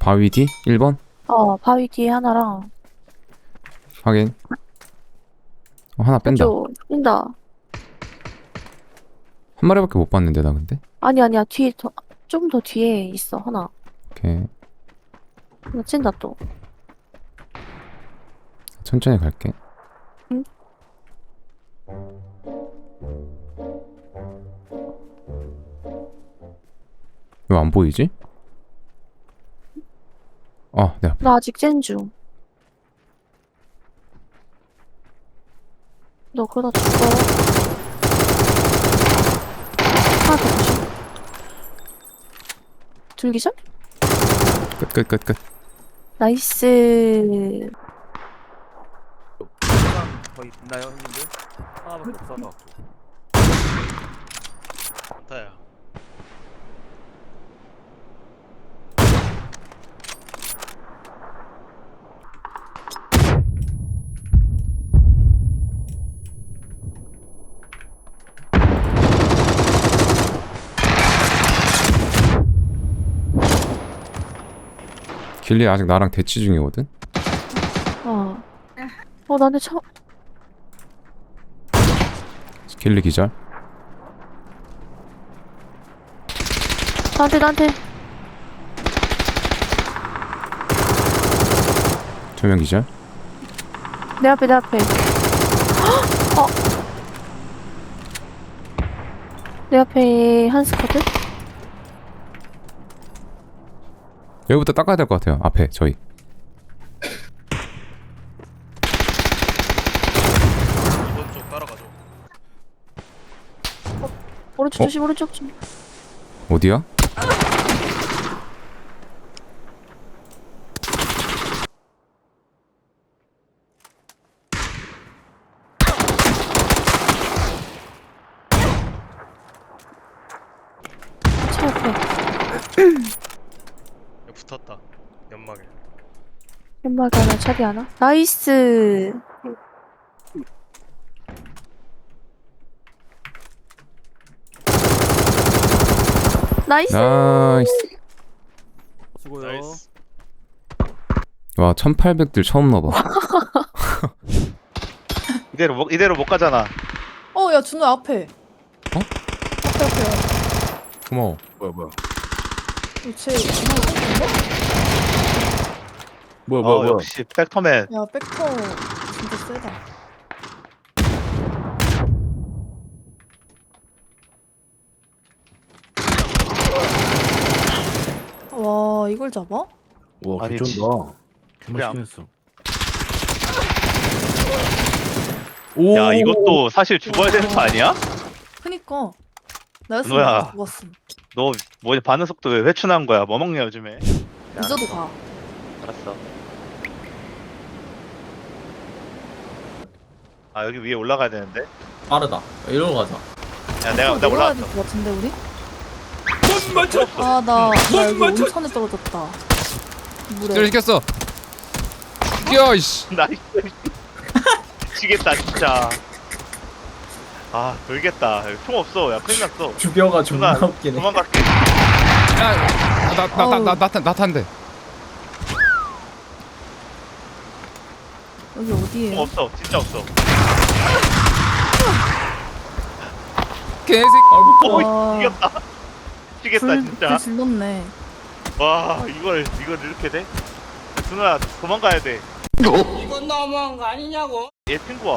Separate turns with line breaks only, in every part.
바위 뒤? 1번?
바위 뒤에 하나랑
확인. 하나 뺀다.
뺀다.
한 마리밖에 못 봤는데 나 근데.
아니야 뒤에 좀 더 뒤에 있어 하나.
오케이.
하나 찐다 또.
천천히 갈게.
응?
왜 안 보이지? 내 앞에.
나 아직 찐 중. 너 그러다 죽어. 하나 더 조심. 둘기절?
끝.
나이스.
거의 있나요, 형님들? 하나밖에 없어서. 다야.
길리 아직 나랑 대치 중이거든?
나한테
길리 기절.
나한테.
2명 기절.
내 앞에. 내 앞에 한 스쿼드?
여기부터 닦아야 될 것 같아요. 앞에 저희.
이번 쪽 따라가죠.
오른쪽 조심, 오른쪽 좀.
어디야?
차 옆에.
여기 붙었다. 연막에.
연막이 하나, 차비 하나. 나이스. 나이스.
나이스.
수고요. 나이스.
와 1800들 처음 넣어봐.
이대로 못 가잖아.
야, 준호야, 앞에.
어?
앞에.
고마워.
뭐야.
쟤, 준호,
뭐야. 역시 팩터맨.
야, 백터 진짜 세다. 와, 이걸 잡아?
와,
아니,
개쩐다.
그냥-
개맛있게 했어.
야, 이것도 사실 죽어야 되는 거 아니야?
그니까. 나였으면
준호야.
죽었음.
너 뭐 반응 속도 왜 회춘한 거야? 뭐 먹냐 요즘에?
늦어도 가.
알았어. 아 여기 위에 올라가야 되는데.
빠르다. 이리로 가자.
야 내가
내려가야
올라왔어.
될 것 같은데, 우리? 나 여기 온천에 떨어졌다. 물에.
절 시켰어. 죽여 이씨.
나이스. 미치겠다 진짜. 아 돌겠다. 총 없어. 야 큰일 났어.
죽여가 존나
누나,
웃기네.
도망갈게.
나탄데.
여기
총
어디에?
없어. 진짜 없어.
개새끼.
와.
이겼다. 미치겠다 진짜.
불 질렀네.
와 이걸 이렇게 돼? 준호야 도망가야 돼.
이건 너무한 거 아니냐고.
얘 친구야.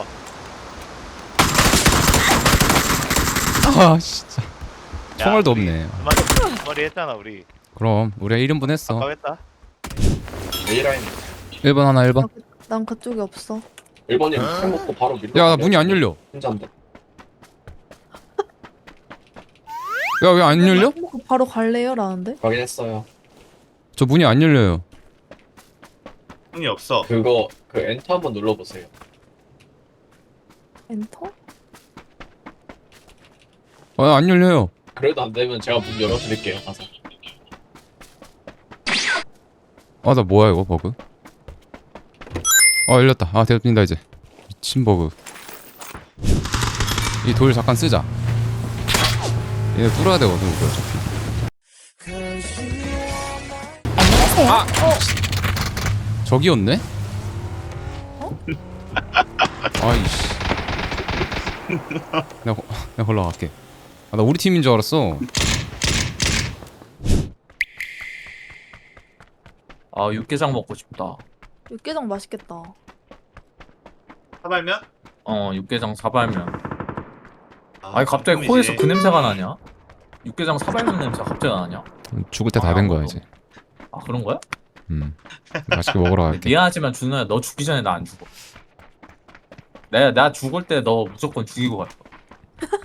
아 진짜.
야,
총알도
우리
없네.
두 마리 했잖아 우리.
그럼 우리가 1인분 했어.
아까했다.
A라인
1번 하나 1번.
난 그쪽에 없어.
1번이랑 술 먹고 바로 밀려.
야 나 문이 안 열려.
혼자인데.
야 왜 안 열려?
바로 갈래요? 라는데?
확인했어요.
저 문이 안 열려요.
형이 없어.
그거 그 엔터 한번 눌러보세요.
엔터?
안 열려요.
그래도 안 되면 제가 문 열어드릴게요. 가서.
나 뭐야 이거 버그? 열렸다. 되었습니다 이제. 미친 버그. 이 돌 잠깐 쓰자. 얘네 뚫어야 되거든 우리 어차피. 저기였네? 아이씨. 내가 올라갈게. 아, 나 우리 팀인 줄 알았어.
아 육개장 먹고 싶다.
육개장 맛있겠다.
사발면?
육개장 사발면.
아,
아니 갑자기
짬뽕이지.
코에서 그 냄새가 나냐? 육개장 사발면 냄새가 갑자기 나냐?
죽을 때 다 된 거야 이제.
아 그런 거야?
맛있게 먹으러 갈게.
미안하지만 준호야 너 죽기 전에 나 안 죽어. 내가 죽을 때 너 무조건 죽이고 갈 거야.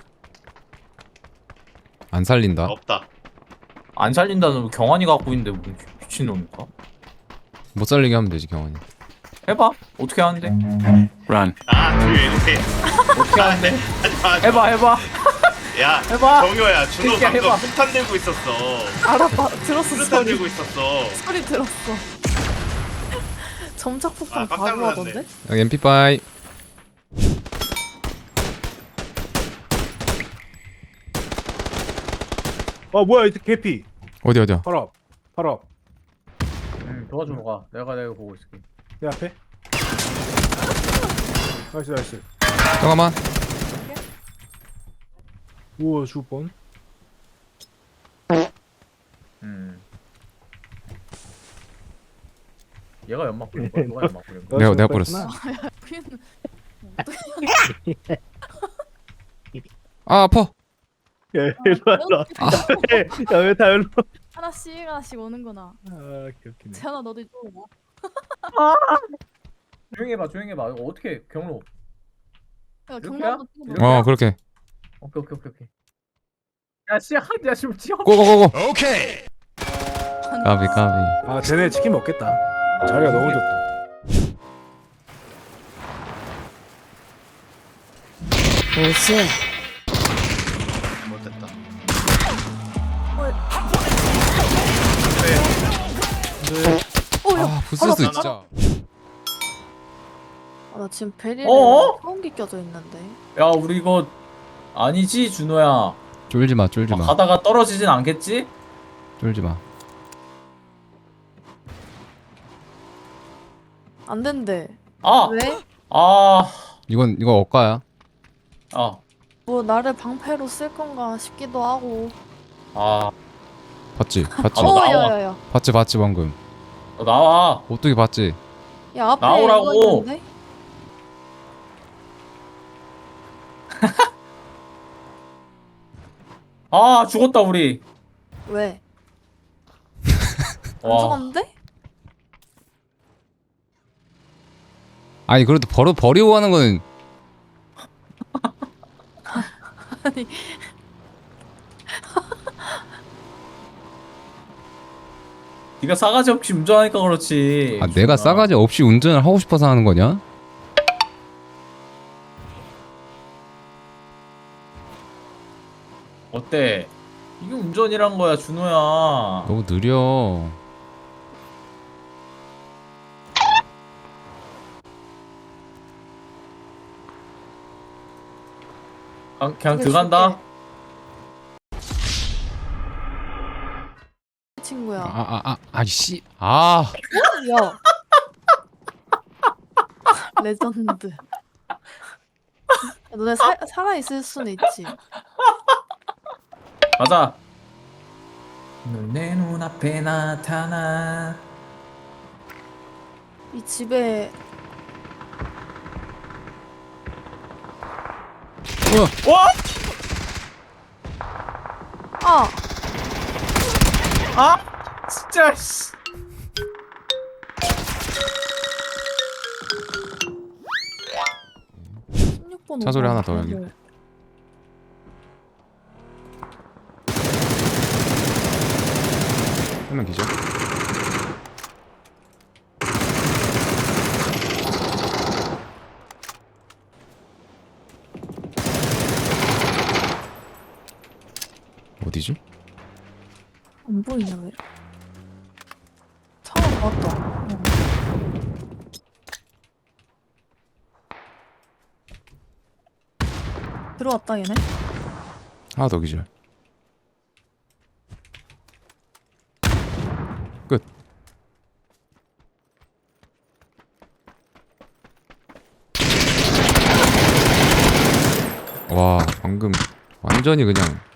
안 살린다.
없다.
안 살린다는 경환이가 갖고 있는데 뭐 미친놈인가?
못 살리게 하면 되지 경환이.
해봐. 어떻게 하는데?
아, 이렇게.
어떻게 하는데?
하지마.
해봐.
야,
해봐.
정효야, 준호
새끼야,
방금
해봐.
폭탄 들고 있었어.
알았다. 들었어
수류탄
소리.
들고 있었어.
소리 들었어. 점착폭탄
아, 깜짝
바로
놀랐네.
하던데?
여기 MP5.
뭐야 이 개피.
어디야?
바로 앞.
도와주러 가. 내가 보고 있을게.
내 앞에. 나이스.
잠깐만.
우와 죽을 뻔.
얘가 연막 뿌린 거야? 누가 연막 뿌린 거야?
내가 뿌렸어. 아 아파.
야 일로 야왜 다 일로.
하나씩 오는구나.
아 개웃기네.
재현아 너도 이쪽으로 와.
조용히 해봐. 이거 어떻게 경로?
야
이렇게야?
경로 한번 찍어봐.
이렇게?
그렇게.
오케이. 야 지금 지워.
고고고고.
오케이.
까비.
아 쟤네 치킨 먹겠다. 자리가 너무 좋다.
못됐다.
아 부스스 진짜.
나 지금 베리를
어어?
소음기 껴져 있는데.
야 우리 이거 아니지 준호야.
쫄지 마.
가다가 떨어지진 않겠지?
쫄지 마.
안 된대.
아!
왜?
이건 억가야.
뭐 나를 방패로 쓸 건가 싶기도 하고.
봤지?
나와.
야야야.
봤지 방금.
너 나와.
어떻게 봤지?
야 앞에
나오라고.
이거 있는데?
죽었다 우리.
왜? 안
와.
죽었는데?
아니 그래도 버리고 가는 거는
아니
네가 싸가지 없이 운전하니까 그렇지.
내가 싸가지 없이 운전을 하고 싶어서 하는 거냐?
어때? 이게 운전이란 거야 준호야.
너무 느려.
그냥 들어간다.
친구야.
아이씨. 아.
야. 레전드. 야, 너네 살아있을 수는 있지.
가자. 내 눈앞에 나타나.
이 집에
와! 진짜 씨.
차 소리 하나 더 여기. 한 명 기절. 어디지?
안 보이냐 왜? 차가 나왔다. 들어왔다 얘네.
하나 더 기절. 끝. 와 방금 완전히 그냥